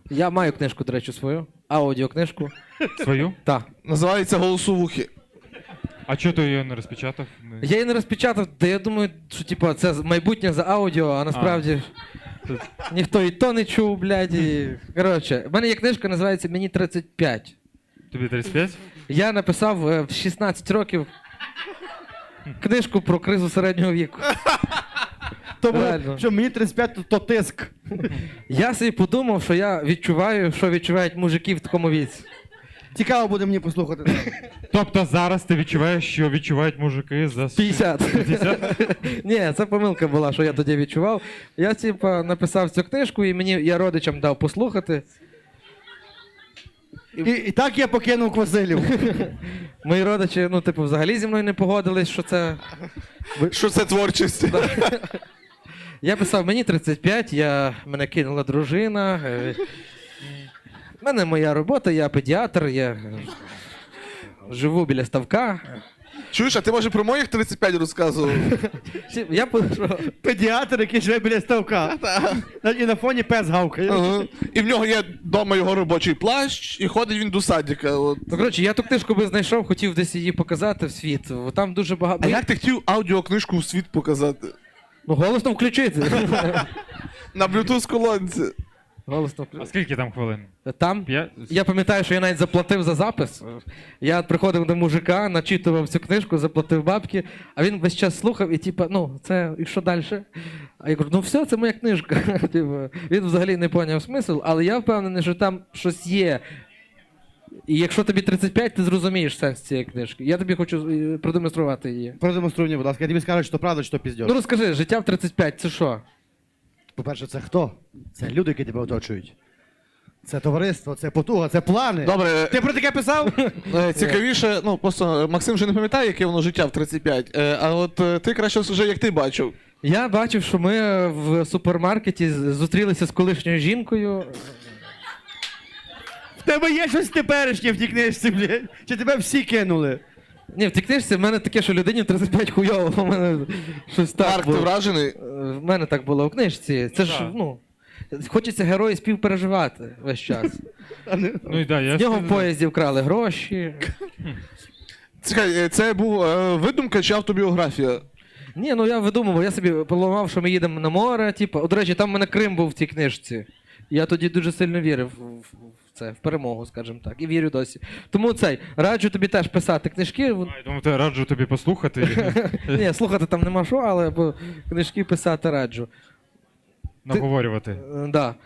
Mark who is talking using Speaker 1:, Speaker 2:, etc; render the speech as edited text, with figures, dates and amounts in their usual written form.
Speaker 1: Я маю книжку, до речі, свою. Аудіокнижку.
Speaker 2: Свою?
Speaker 1: Так.
Speaker 3: Називається «Голосовухи».
Speaker 2: А чого ти її не розпечатав?
Speaker 1: Я її не розпечатав, та я думаю, що типу, це майбутнє за аудіо, а насправді ніхто і то не чув, блядь. Коротше, в мене є книжка, називається «Мені 35».
Speaker 2: Тобі 35?
Speaker 1: Я написав в 16 років книжку про кризу середнього віку.
Speaker 4: Тому
Speaker 1: Реально.
Speaker 4: що мені 35, то тиск.
Speaker 1: Я собі подумав, що я відчуваю, що відчувають мужики в такому віці.
Speaker 4: Цікаво буде мені послухати.
Speaker 2: Тобто зараз ти відчуваєш, що відчувають мужики за
Speaker 1: 50.
Speaker 2: 50?
Speaker 1: Ні, це помилка була, що я тоді відчував. Я, типа, написав цю книжку, і я родичам дав послухати.
Speaker 4: І так я покинув Квасилів.
Speaker 1: Мої родичі, ну, типу, взагалі зі мною не погодились, що це.
Speaker 3: Що це творчість?
Speaker 1: Я писав, мені 35, мене кинула дружина. В мене моя робота, я педіатр, я живу біля ставка.
Speaker 3: Чуєш, а ти може про моїх 35 розказував?
Speaker 1: Я що?
Speaker 4: Педіатр, який живе біля ставка. І на фоні пес гавкає.
Speaker 3: Ага. І в нього є вдома його робочий плащ, і ходить він до садика. От.
Speaker 1: Ну, коротше, я ту книжку би знайшов, хотів десь її показати в світ. Там дуже багато.
Speaker 3: А як ти хотів аудіокнижку в світ показати?
Speaker 1: Ну, голосно включити.
Speaker 3: На Bluetooth колонці.
Speaker 1: Голосно
Speaker 2: А
Speaker 1: включити.
Speaker 2: скільки там хвилин?
Speaker 1: Там?
Speaker 2: 5?
Speaker 1: Я пам'ятаю, що я навіть заплатив за запис. Я приходив до мужика, начитував цю книжку, заплатив бабки, а він весь час слухав і типа, ну, це і що далі? А я кажу, ну все, це моя книжка. Типу, він взагалі не поняв смисл, але я впевнений, що там щось є. І якщо тобі 35, ти зрозумієш сенс цієї книжки. Я тобі хочу продемонструвати її.
Speaker 4: Продемонструй мені, будь ласка, я тобі скажу, що правда, що піздьош.
Speaker 1: Ну розкажи, життя в 35 це що?
Speaker 4: По-перше, це хто? Це люди, які тебе оточують. Це товариство, це потуга, це плани.
Speaker 3: Добре,
Speaker 4: Ти про таке писав?
Speaker 3: цікавіше, ну просто Максим вже не пам'ятає, яке воно життя в 35, а от ти краще скажи, як ти бачив.
Speaker 1: Я бачив, що ми в супермаркеті зустрілися з колишньою жінкою.
Speaker 4: В тебе є щось теперішнє в тій книжці, блядь? Чи тебе всі кинули?
Speaker 1: Ні, в тій книжці в мене таке, що людині в 35 хуйово, у мене щось так
Speaker 3: Марк, ти
Speaker 1: було.
Speaker 3: вражений?
Speaker 1: В мене так було в книжці. Це ж,
Speaker 2: Так.
Speaker 1: ну, хочеться герої співпереживати весь час.
Speaker 2: Ну і да, я
Speaker 1: З нього в поїзді вкрали гроші.
Speaker 3: Чекай, це був видумка чи автобіографія?
Speaker 1: Ні, ну я видумував, я собі поламав, що ми їдемо на море, типу. О, до речі, там в мене Крим був в цій книжці. Я тоді дуже сильно вірив в це, в перемогу, скажімо так, і вірю досі. Тому раджу тобі теж писати книжки.
Speaker 2: Я думаю, раджу тобі послухати,
Speaker 1: Ні, слухати там нема що, але книжки писати раджу.
Speaker 2: наговорювати.
Speaker 1: Да.